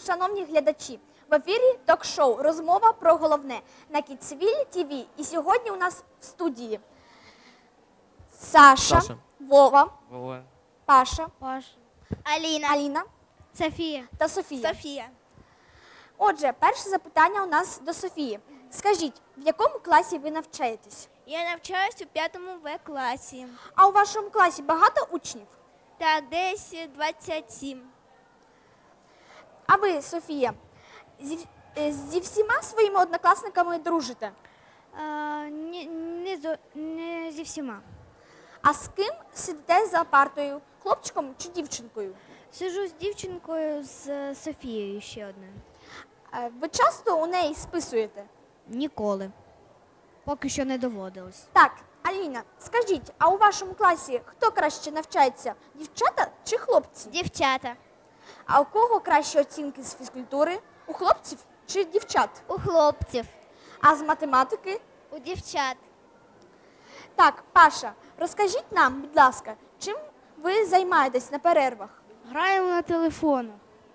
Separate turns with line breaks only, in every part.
шановні глядачі! В ефірі ток-шоу «Розмова про головне» на Кіцвілі ТВ. І сьогодні у нас в студії Саша. Вова, Паша, Аліна
Софія
та Софія. Отже, перше запитання у нас до Софії. Скажіть, в якому класі ви навчаєтесь?
Я навчаюсь у 5 В-класі.
А у вашому класі багато учнів?
Так, десь 27.
А ви, Софія, зі всіма своїми однокласниками дружите?
Не зі всіма.
А з ким сидите за партою? Хлопчиком чи дівчинкою?
Сиджу з дівчинкою, з Софією ще одною.
Ви часто у неї списуєте?
Ніколи. Поки що не доводилось.
Так, Аліна, скажіть, а у вашому класі хто краще навчається? Дівчата чи хлопці?
Дівчата.
А у кого кращі оцінки з фізкультури? У хлопців чи дівчат?
У хлопців.
А з математики?
У дівчат.
Так, Паша, розкажіть нам, будь ласка, чим ви займаєтесь на перервах?
Граємо на телефонах.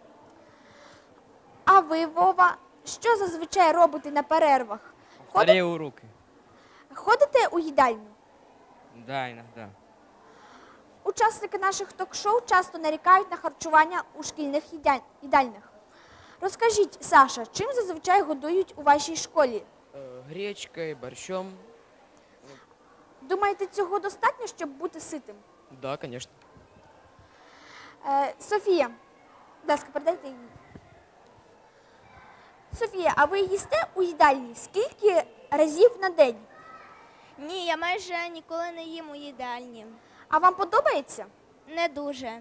А ви, Вова, що зазвичай робите на перервах?
Повторяю уроки.
Ходите у їдальню?
Да, иногда.
Учасники наших ток-шоу часто нарікають на харчування у шкільних їдальнях. Розкажіть, Саша, чим зазвичай годують у вашій школі?
Гречкой, борщом.
Думаєте, цього достатньо, щоб бути ситим?
Да, конечно.
Софія, будь ласка, передайте їй. Софія, а ви їсте у їдальні скільки разів на день?
Ні, я майже ніколи не їм у їдальні.
А вам подобається?
Не дуже.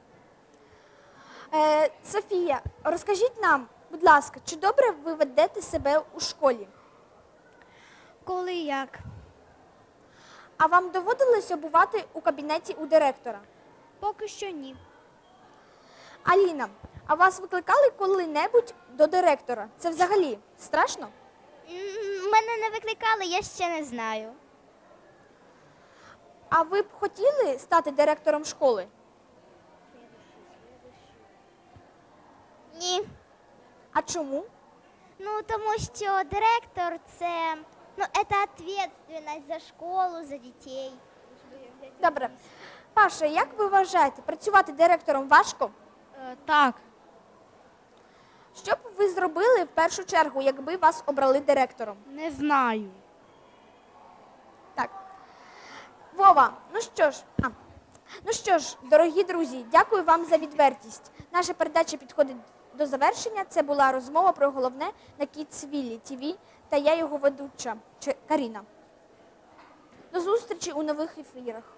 Софія, розкажіть нам, будь ласка, чи добре ви ведете себе у школі?
Коли як?
А вам доводилося бувати у кабінеті у директора?
Поки що ні.
Аліна, а вас викликали коли-небудь до директора? Це взагалі страшно?
Мене не викликали, я ще не знаю.
А ви б хотіли стати директором школи?
Ні.
А чому?
Тому що директор це відповідальність за школу, за дітей.
Добре. Паша, як ви вважаєте, працювати директором важко?
Так.
Що б ви зробили в першу чергу, якби вас обрали директором?
Не знаю.
Так. Вова, ну що ж, дорогі друзі, дякую вам за відвертість. Наша передача підходить до завершення. Це була розмова про головне на Кіцвілі ТВ та я його ведуча Каріна. До зустрічі у нових ефірах.